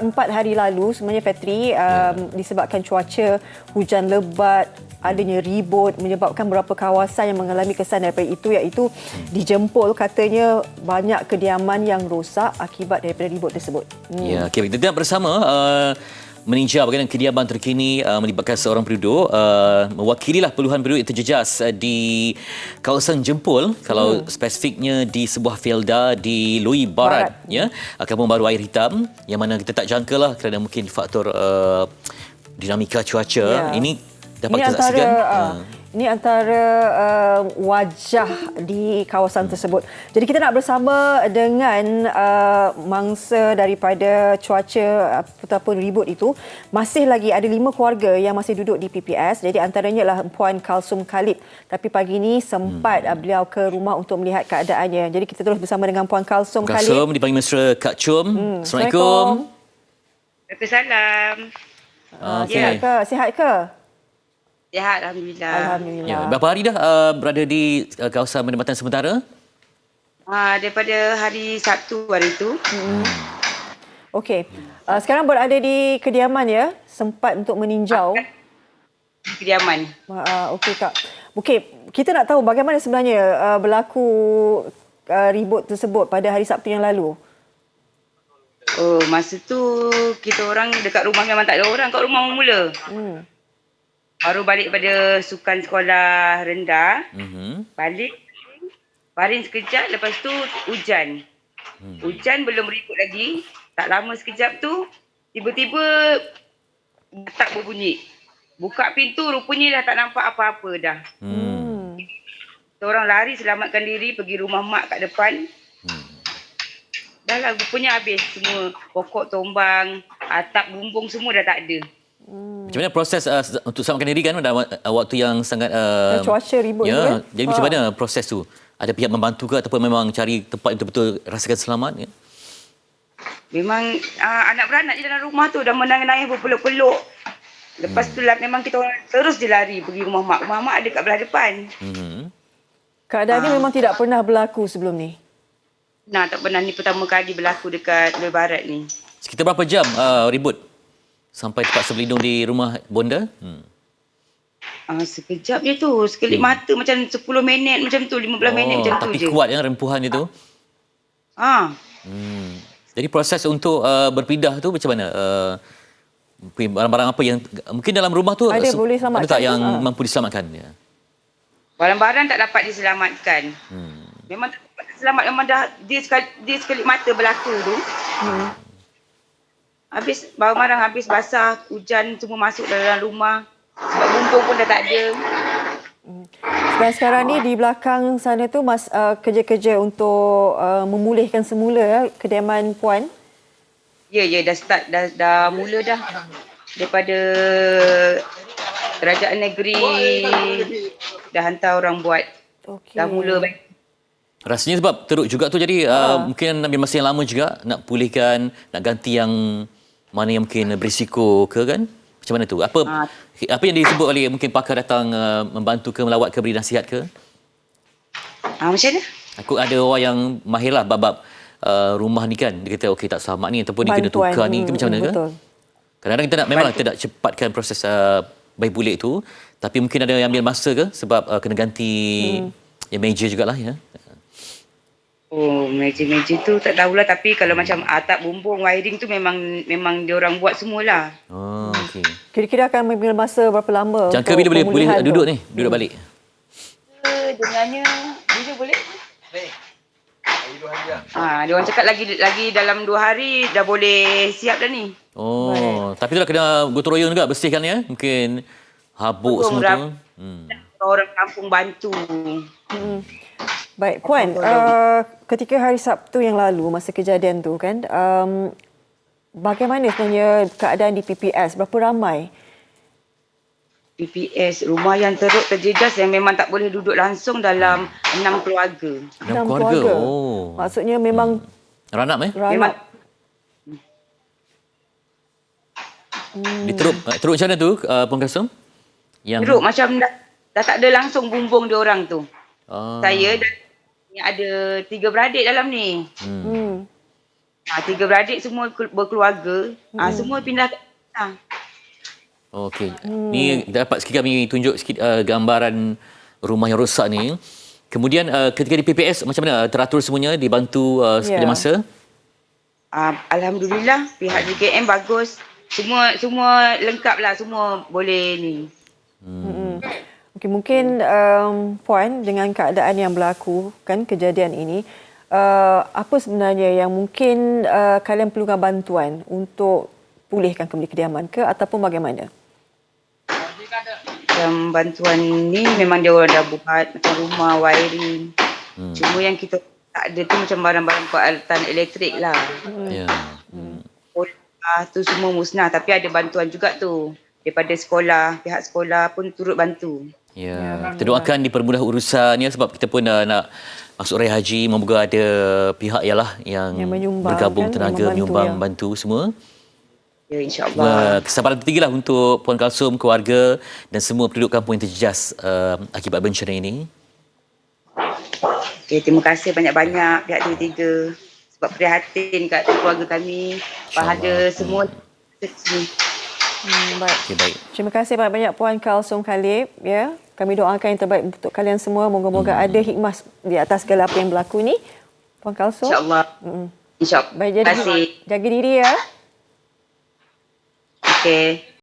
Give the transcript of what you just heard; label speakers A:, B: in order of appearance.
A: 4 hari lalu sebenarnya Fetri disebabkan cuaca hujan lebat, adanya ribut menyebabkan beberapa kawasan yang mengalami kesan daripada itu, iaitu di Jempol katanya banyak kediaman yang rosak akibat daripada ribut tersebut.
B: Ya, okay. Kita bersama meninjau bagaimana kediaman terkini melibatkan seorang penduduk, mewakililah puluhan penduduk yang terjejas di kawasan Jempol, kalau spesifiknya di sebuah felda di Lui Barat. Ya, kampung baru Air Hitam, yang mana kita tak jangkalah kerana mungkin faktor dinamika cuaca. Ini dapat kita saksikan.
A: Ini antara wajah di kawasan tersebut. Jadi kita nak bersama dengan mangsa daripada cuaca ataupun ribut itu. Masih lagi ada 5 keluarga yang masih duduk di PPS. Jadi antaranya adalah Puan Kalsum Khalid. Tapi pagi ini sempat beliau ke rumah untuk melihat keadaannya. Jadi kita terus bersama dengan Puan Kalsum Khalid.
B: Kalsum dipanggil mesra Kak Chum. Assalamualaikum.
C: Waalaikumsalam.
A: Sihat ke? Sihat ke?
C: Sihat, Alhamdulillah.
A: Alhamdulillah.
B: Ya, berapa hari dah berada di kawasan penempatan sementara?
C: Daripada hari Sabtu hari itu.
A: Okey. Sekarang berada di kediaman ya? Sempat untuk meninjau.
C: Kediaman.
A: Okey Kak. Okey, kita nak tahu bagaimana sebenarnya berlaku ribut tersebut pada hari Sabtu yang lalu.
C: Oh, masa tu kita orang dekat rumah memang tak ada orang kat rumah mula. Baru balik pada sukan sekolah rendah. Balik, baring sekejap, lepas tu hujan. Hujan belum ribut lagi. Tak lama sekejap tu, tiba-tiba tak berbunyi. Buka pintu, rupanya dah tak nampak apa-apa dah. Kita orang lari selamatkan diri, pergi rumah mak kat depan. Dah lah, rupanya habis semua. Pokok tombang, atap bumbung semua dah tak ada.
B: Macam mana proses untuk selamatkan diri kan dalam waktu yang sangat
A: cuaca ribut
B: ya,
A: tu kan?
B: Jadi macam mana proses tu? Ada pihak membantu ke ataupun memang cari tempat yang betul-betul rasakan selamat ya?
C: Memang anak beranak je dalam rumah tu dah menangis-nangis berpeluk-peluk. Lepas tu lah memang kita orang terus je lari pergi rumah mak. Rumah mak ada kat belah depan.
A: Keadaan ni memang tidak pernah berlaku sebelum ni?
C: Nah, tak pernah, ni pertama kali berlaku dekat Lui Barat ni.
B: Sekitar berapa jam ribut? Sampai terpaksa berlindung di rumah bonda?
C: Sekejap je tu. Sekelip mata macam 10 minit macam tu. 15 minit macam tu je.
B: Tapi kuat ya rempuhan itu? Jadi proses untuk berpindah tu macam mana? Barang-barang apa yang mungkin dalam rumah tu
A: ada boleh selamatkan?
B: Ada tak yang mampu diselamatkan? Ya.
C: Barang-barang tak dapat diselamatkan. Memang tak dapat diselamat. Memang dah dia sekelip mata berlaku tu. Habis barang-barang habis basah, hujan semua masuk dalam rumah. Sebab bumbung pun dah tak ada.
A: Dan sekarang ni di belakang sana tu kerja-kerja untuk memulihkan semula kediaman Puan?
C: Ya, dah start, dah mula dah. Daripada kerajaan negeri dah hantar orang buat. Dah mula baik.
B: Rasanya sebab teruk juga tu, jadi mungkin ambil masa yang lama juga nak pulihkan, nak ganti yang mana yang mungkin berisiko ke kan? Macam mana tu? Apa yang disebut oleh mungkin pakar datang membantu ke, melawat ke, beri nasihat ke?
C: Macam mana?
B: Aku ada orang yang mahir lah bab rumah ni kan. Dia kata okey tak selamat ni ataupun dia kena tukar ni ke macam mana ke? Kadang-kadang kita nak memanglah kita nak cepatkan proses bayi bulik tu, tapi mungkin ada yang ambil masa ke sebab kena ganti yang meja jugalah ya.
C: Oh, meja-meja tu tak tahulah, tapi kalau macam atap bumbung wiring tu memang dia orang buat semualah.
B: Okey.
A: Kira-kira akan mengambil masa berapa lama?
B: Jangka bila boleh duduk ni, duduk balik?
C: Dengarnya bila boleh? Dia orang cakap lagi dalam 2 hari dah boleh siap dah ni.
B: Tapi itulah kena gotong royong juga bersihkan ya. Mungkin habuk semua tu.
C: Orang kampung bantu.
A: Baik, Puan, ketika hari Sabtu yang lalu, masa kejadian tu kan, bagaimana sebenarnya keadaan di PPS? Berapa ramai?
C: PPS, rumah yang teruk terjejas yang memang tak boleh duduk langsung dalam 6 keluarga.
B: 6 keluarga?
A: Maksudnya memang...
B: Ranap
C: Memang.
B: Teruk macam mana tu, Puan Kalsum?
C: Teruk macam dah tak ada langsung bumbung dia orang tu. Saya dan ada 3 beradik dalam ni. Tiga beradik semua berkeluarga. Semua pindah ke Kedah.
B: Okey. Ni dapat sikit kami tunjuk sikit gambaran rumah yang rosak ni. Kemudian ketika di PPS macam mana teratur semuanya, dibantu sepanjang masa?
C: Alhamdulillah pihak JKM bagus. Semua lengkap lah, semua boleh ni.
A: Okey, mungkin Puan, dengan keadaan yang berlaku kan kejadian ini, apa sebenarnya yang mungkin kalian perlukan bantuan untuk pulihkan kembali kediaman ke ataupun bagaimana?
C: Yang bantuan ni memang dia orang dah buat macam rumah, wiring. Cuma yang kita tak ada tu macam barang-barang peralatan elektrik lah.
B: Ya.
C: Tu semua musnah, tapi ada bantuan juga tu daripada sekolah, pihak sekolah pun turut bantu.
B: Ya. Kita doakan dipermudah urusannya sebab kita pun nak masuk raya haji, moga ada pihak yang bergabung
A: kan,
B: tenaga menyumbang bantu semua.
C: Ya, insya-Allah.
B: Kesabaran tertinggilah untuk Puan Kalsum, keluarga dan semua penduduk kampung yang terjejas akibat bencana ini.
C: Okay, terima kasih banyak-banyak pihak TV3 sebab prihatin kat keluarga kami. Pada semua
A: Baik.
B: Okay, baik.
A: Terima kasih banyak-banyak Puan Kalsum Khalib, ya. Kami doakan yang terbaik untuk kalian semua. Moga-moga ada hikmah di atas segala apa yang berlaku ni. Puan Kalsum.
C: Insya-Allah. Insya-Allah.
A: Baik,
C: Terima kasih.
A: jaga diri ya.
C: Okey.